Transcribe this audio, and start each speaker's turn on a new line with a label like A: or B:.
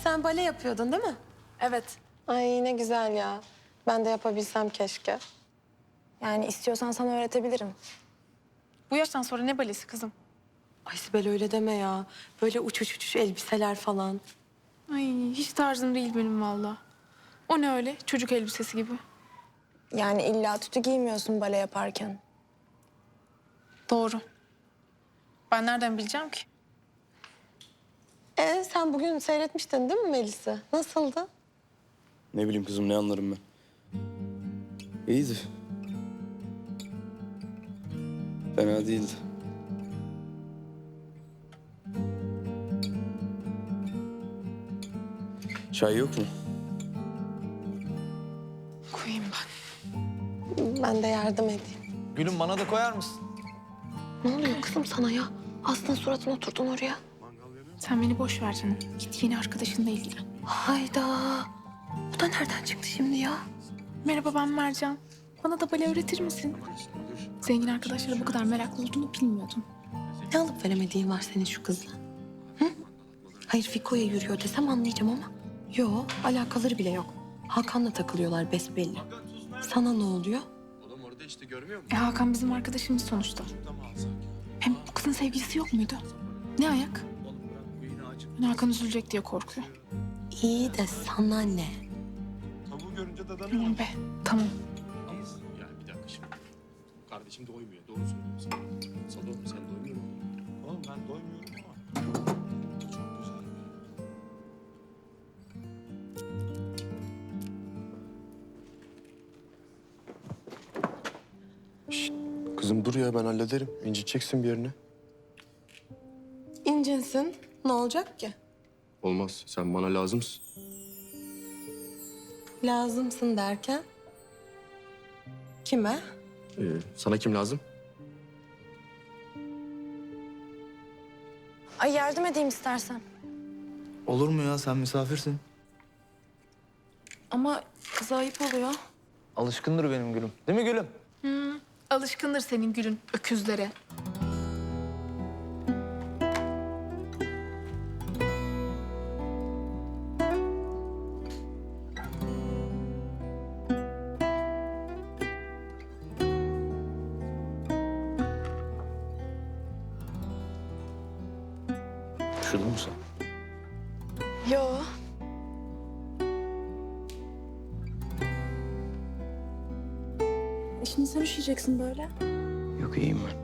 A: sen bale yapıyordun değil mi?
B: Evet.
A: Ay ne güzel ya. Ben de yapabilsem keşke.
B: Yani istiyorsan sana öğretebilirim.
C: Bu yaştan sonra ne balesi kızım?
A: Ay Sibel öyle deme ya. Böyle uçuş uçuş elbiseler falan.
C: Ay hiç tarzım değil benim valla. O ne öyle çocuk elbisesi gibi.
B: Yani illa tütü giymiyorsun bale yaparken.
C: Doğru. Ben nereden bileceğim ki?
A: Sen bugün seyretmiştin değil mi Melis'i? Nasıldı?
D: Ne bileyim kızım, ne anlarım ben. İyiydi. Fena değildi. Çay yok mu?
C: Koyayım ben.
A: Ben de yardım edeyim.
E: Gülüm bana da koyar mısın?
A: Ne oluyor kızım sana ya? Aslında suratına oturdun oraya.
C: Sen beni boş ver canım. Git yeni arkadaşınla ilgilen.
A: Hayda. Bu da nereden çıktı şimdi ya?
C: Merhaba ben Mercan. Bana da bale öğretir misin? Zengin arkadaşlara bu kadar meraklı olduğunu bilmiyordum.
A: Ne alıp veremediğin var senin şu kızla? Hı? Hayır Fiko'ya yürüyor desem anlayacağım ama. Yo alakaları bile yok. Hakan'la takılıyorlar besbelli. Sana ne oluyor?
C: Hakan bizim arkadaşımız sonuçta. Hem bu kızın sevgilisi yok muydu? Ne ayak? Ben Hakan üzülecek diye korkuyor.
A: İyi de sana ne?
F: Tavuğu görünce dadanıyor.
C: Tamam be, tamam.
F: Yani bir dakika şimdi. Kardeşim doymuyor. Doğru söylüyorum sana. Sado sen doymuyor musun? Oğlum ben doymuyorum ama. Çok güzel.
D: Kızım dur ya, ben hallederim. İnciteceksin bir yerine.
A: İncinsin. Ne olacak ki?
D: Olmaz. Sen bana lazımsın.
A: Lazımsın derken? Kime?
D: Sana kim lazım?
B: Ay yardım edeyim istersen.
E: Olur mu ya, sen misafirsin.
B: Ama kıza ayıp oluyor.
E: Alışkındır benim gülüm. Değil mi gülüm?
C: Alışkındır senin gülün öküzlere.
D: Üşüdün mü sen?
B: Yo. Şimdi sen üşüyeceksin böyle.
D: Yok, iyiyim ben.